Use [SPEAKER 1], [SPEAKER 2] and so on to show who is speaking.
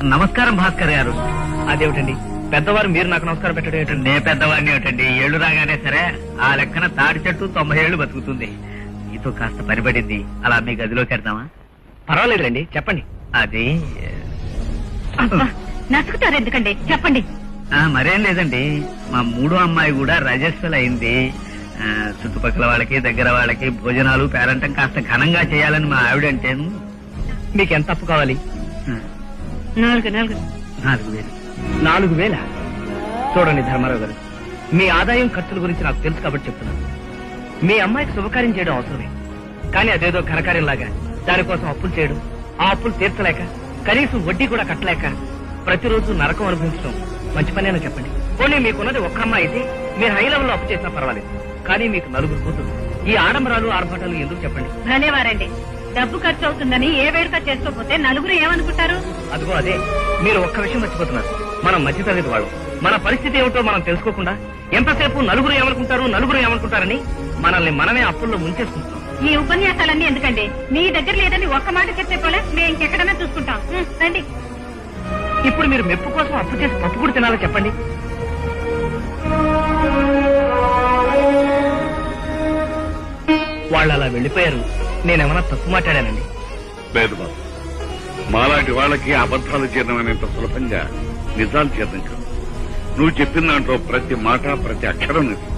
[SPEAKER 1] నమస్కారం భాస్కర్ గారు. అదేమిటండి పెద్దవారు మీరు నాకు నమస్కారం పెట్టడం ఏంటండి? నే పెద్దవాడిని ఏమిటండి, ఏళ్లు రాగానే సరే ఆ లెక్కన తాడి చెట్టు 90 ఏళ్లు బతుకుతుంది. మీతో కాస్త పనిపడింది, అలా మీ గదిలోకి వెళ్దామా? పర్వాలేదులేండి, చెప్పండి. అది
[SPEAKER 2] నసుకుతారు ఎందుకండి, చెప్పండి.
[SPEAKER 1] మరేం లేదండి, మా మూడో అమ్మాయి కూడా రజస్వలు అయింది. చుట్టుపక్కల వాళ్ళకి దగ్గర వాళ్ళకి భోజనాలు పేరంటం కాస్త ఘనంగా చేయాలని మా ఆవిడంటేను. మీకు ఎంత అప్పు కావాలి?
[SPEAKER 2] 4,000.
[SPEAKER 1] 4,000. చూడండి ధర్మారావు గారు, మీ ఆదాయం ఖర్చుల గురించి నాకు తెలుసు కాబట్టి చెప్తున్నాను. మీ అమ్మాయికి శుభకార్యం చేయడం అవసరమే, కానీ అదేదో ఘనకార్యంలాగా దానికోసం అప్పులు చేయడం, ఆ అప్పులు తీర్చలేక కనీసం వడ్డీ కూడా కట్టలేక ప్రతిరోజు నరకం అనుభవించడం మంచి పనేనా చెప్పండి? పోనీ మీకున్నది ఒక్క అమ్మాయి అయితే మీరు హై లెవెల్లో అప్పు చేసినా పర్వాలేదు, కానీ మీకు 4 కూతురు. ఈ ఆడంబరాలు ఆర్భాటాలు ఎందుకు చెప్పండి?
[SPEAKER 2] భలేవారండి, డబ్బు ఖర్చు అవుతుందని ఏ వేడుక చేసుకోకపోతే నలుగురు ఏమనుకుంటారు?
[SPEAKER 1] అదిగో అదే, మీరు ఒక్క విషయం మర్చిపోతున్నారు. మనం మధ్యతరగతి వాళ్ళు, మన పరిస్థితి ఏమిటో మనం తెలుసుకోకుండా ఎంతసేపు నలుగురు ఏమనుకుంటారని మనల్ని మనమే అప్పుల్లో ముంచేసుకుంటాం.
[SPEAKER 2] ఈ ఉపన్యాసాలన్నీ ఎందుకండి? మీ దగ్గర లేదని ఒక్క మాట చెప్తే పోలే, మేము ఇంకెక్కడన్నా చూసుకుంటాం. రండి.
[SPEAKER 1] ఇప్పుడు మీరు మెప్పు కోసం అప్పు చేసి పప్పు కూడా తినాలో చెప్పండి? వాళ్ళు అలా వెళ్లిపోయారు, నేనేమన్నా తప్పు మాట్లాడానండి?
[SPEAKER 3] లేదు బాబు, మాలాంటి వాళ్ళకి అబద్ధాలు చేయడమనేంత సులభంగా నిజాలు చేద్దాం కాదు. నువ్వు చెప్పిన దాంట్లో ప్రతి మాట ప్రతి అక్షరం నిజం.